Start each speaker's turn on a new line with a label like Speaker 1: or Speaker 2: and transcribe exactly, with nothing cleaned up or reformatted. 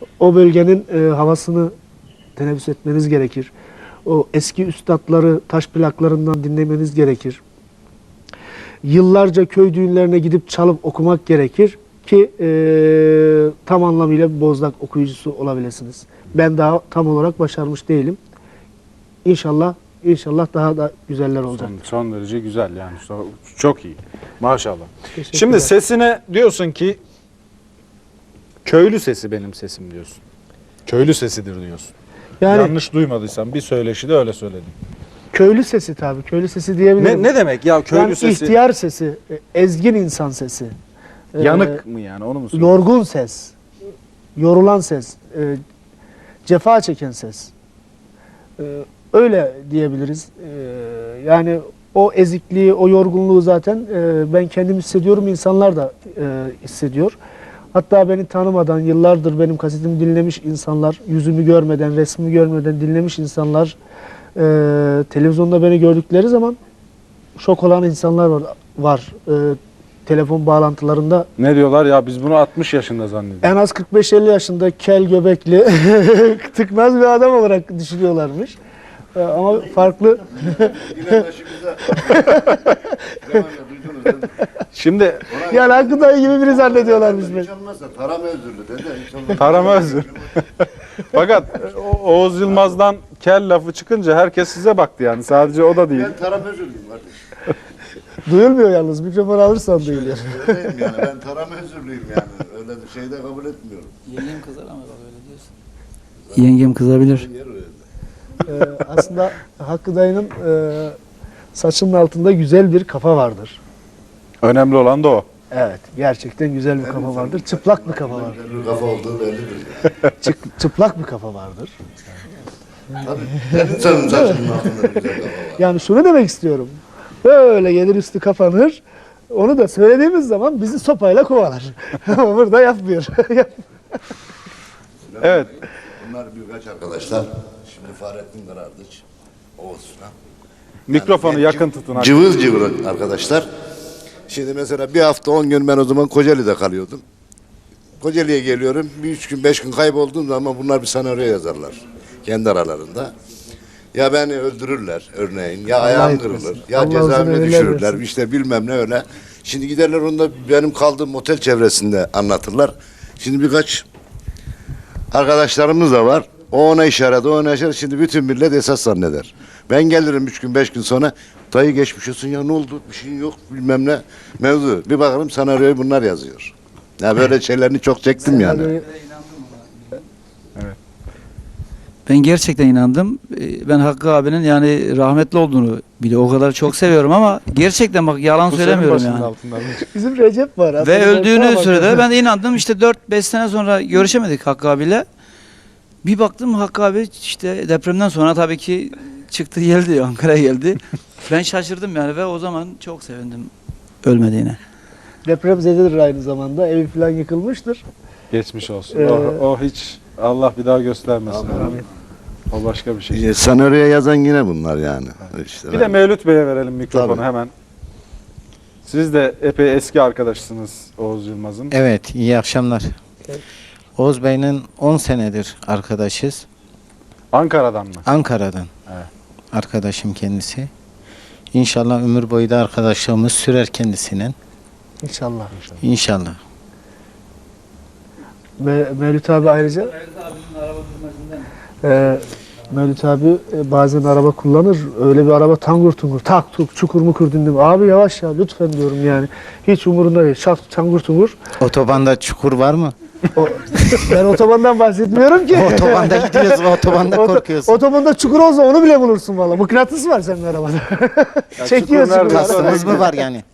Speaker 1: O bölgenin e, havasını teneffüs etmeniz gerekir. O eski üstadları taş plaklarından dinlemeniz gerekir. Yıllarca köy düğünlerine gidip çalıp okumak gerekir ki e, tam anlamıyla bir bozlak okuyucusu olabilirsiniz. Ben daha tam olarak başarmış değilim. İnşallah, inşallah daha da güzeller olacak.
Speaker 2: Son, son derece güzel yani. Çok iyi. Maşallah.
Speaker 1: Teşekkürler.
Speaker 2: Şimdi sesine diyorsun ki köylü sesi benim sesim diyorsun. Köylü sesidir diyorsun.
Speaker 1: Yani
Speaker 2: Yanlış duymadıysam bir söyleşide öyle söyledim.
Speaker 1: köylü sesi tabii. Köylü sesi diyebilirim.
Speaker 2: Ne, ne demek ya köylü
Speaker 1: yani
Speaker 2: sesi?
Speaker 1: ihtiyar sesi, e, ezgin insan sesi. e,
Speaker 2: Yanık mı yani onu mu söylüyorsun?
Speaker 1: Yorgun ses, yorulan ses, e, cefa çeken ses. E, öyle diyebiliriz. E, yani o ezikliği, o yorgunluğu zaten e, ben kendim hissediyorum, insanlar da e, hissediyor. Hatta beni tanımadan, yıllardır benim kasetimi dinlemiş insanlar, yüzümü görmeden, resmimi görmeden dinlemiş insanlar, e, televizyonda beni gördükleri zaman şok olan insanlar var. var. E, telefon bağlantılarında
Speaker 2: Ne diyorlar ya biz bunu altmış yaşında zannediyoruz.
Speaker 1: en az kırk beş elli yaşında kel göbekli, tıknaz bir adam olarak düşünüyorlarmış. E, ama farklı.
Speaker 3: Yine başımıza. Zamanla duydunuz değil mi?
Speaker 2: Şimdi
Speaker 1: Yani Hakkı dayı gibi biri zannediyorlarmış beni.
Speaker 3: Hiç olmazsa tarama özürlü dede. Hiç olmazsa.
Speaker 2: Tarama özür. Fakat O- Oğuz Yılmaz'dan kel lafı çıkınca herkes size baktı yani. Sadece o da değil.
Speaker 3: Ben tarama özürlüyüm kardeş.
Speaker 1: Duyulmuyor yalnız. Mikrofon alırsan duyuluyor.
Speaker 3: Öyleyim yani. Ben tarama özürlüyüm yani. Öyle bir şey de kabul etmiyorum.
Speaker 4: Yengem kızar ama bak öyle diyorsun. Yengem kızabilir.
Speaker 3: Yer öyle.
Speaker 1: Ee, aslında Hakkı dayının e, saçının altında güzel bir kafa vardır.
Speaker 2: Önemli olan da o.
Speaker 1: Evet, gerçekten güzel bir kafa vardır. Çıplak bir kafa vardır.
Speaker 3: Bir kafa olduğu bellidir yani.
Speaker 1: Çık- çıplak bir kafa vardır.
Speaker 3: Tabii. Her insanın saçının altında bir güzel kafa var.
Speaker 1: Yani şunu demek istiyorum. Böyle gelir üstü kapanır. Onu da söylediğimiz zaman bizi sopayla kovalar. Ama burada yapmıyor.
Speaker 2: Evet.
Speaker 3: Bunlar birkaç arkadaşlar. Şimdi Fahrettin Karardıç, Oğuz falan.
Speaker 2: Mikrofonu
Speaker 3: Yani
Speaker 2: yakın
Speaker 3: cıv-
Speaker 2: tutun.
Speaker 3: Cıvıl cıvıl arkadaşlar. Şimdi mesela bir hafta on gün ben o zaman Kocaeli'de kalıyordum. Kocaeli'ye geliyorum. Bir üç gün beş gün kaybolduğum zaman bunlar bir senaryo yazarlar. Kendi aralarında. Ya beni öldürürler örneğin. Ya ayağım
Speaker 1: etmesin.
Speaker 3: kırılır. Ya
Speaker 1: Allah uzun
Speaker 3: cezaevine
Speaker 1: ömürler
Speaker 3: düşürürler.
Speaker 1: versin.
Speaker 3: İşte bilmem ne öyle. Şimdi giderler onu da benim kaldığım otel çevresinde anlatırlar. Şimdi birkaç arkadaşlarımız da var. O ona işaret, o ona işaret. Şimdi bütün millet esas zanneder. Ben gelirim üç gün, beş gün sonra. Dayı geçmiş olsun ya ne oldu? Bir şeyin yok bilmem ne. Mevzu. Bir bakarım senaryoyu bunlar yazıyor. Ya böyle şeylerini çok çektim yani.
Speaker 4: Ben gerçekten inandım. Ee, Ben Hakkı abinin yani rahmetli olduğunu bile o kadar çok seviyorum ama gerçekten bak yalan
Speaker 2: Bu senin
Speaker 4: söylemiyorum
Speaker 2: başının
Speaker 4: yani.
Speaker 2: altında.
Speaker 1: Bizim Recep var.
Speaker 4: Ve
Speaker 1: Hatırlarsan
Speaker 4: öldüğünü
Speaker 1: bak.
Speaker 4: söyledi. Ben de inandım. İşte dört beş sene sonra görüşemedik Hakkı abiyle. Bir baktım Hakkı abi işte depremden sonra tabii ki çıktı geldi Ankara'ya geldi. Ben şaşırdım yani ve o zaman çok sevindim ölmediğine.
Speaker 1: Depremzededir aynı zamanda. Evi falan yıkılmıştır.
Speaker 2: Geçmiş olsun.
Speaker 1: Ee,
Speaker 2: o, o hiç Allah bir daha göstermesin.
Speaker 1: Amin.
Speaker 2: O başka bir şey.
Speaker 3: E, senaryoya yazan yine bunlar yani. İşte
Speaker 2: Bir de
Speaker 3: ben-
Speaker 2: Mevlüt Bey'e verelim mikrofonu
Speaker 3: Tabii.
Speaker 2: hemen. Siz de epey eski arkadaşsınız Oğuz Yılmaz'ın.
Speaker 5: Evet, iyi akşamlar. Oğuz Bey'in on senedir arkadaşız.
Speaker 2: Ankara'dan mı?
Speaker 5: Ankara'dan.
Speaker 2: Evet.
Speaker 5: Arkadaşım kendisi. İnşallah ömür boyu da arkadaşlığımız sürer kendisinin.
Speaker 1: İnşallah.
Speaker 5: İnşallah.
Speaker 1: Me Mevlüt abi ayrıca e, Mevlüt abi e, bazen araba kullanır. Öyle bir araba tangur tungur, tak tuk, çukur mukur dindim. Abi yavaş ya lütfen diyorum yani. Hiç umurunda değil. Şak tangur tungur.
Speaker 5: Otobanda çukur var mı?
Speaker 1: O, ben otobandan bahsetmiyorum ki.
Speaker 5: Otobanda gidiyorsun, otobanda
Speaker 1: Oto-
Speaker 5: korkuyorsun.
Speaker 1: Otobanda çukur olsa onu bile bulursun valla. Mıknatıs var senin arabada.
Speaker 2: Ya
Speaker 1: Çekiyor
Speaker 2: çukur nerede?
Speaker 1: çukurları.
Speaker 5: Kastımız mı var yani?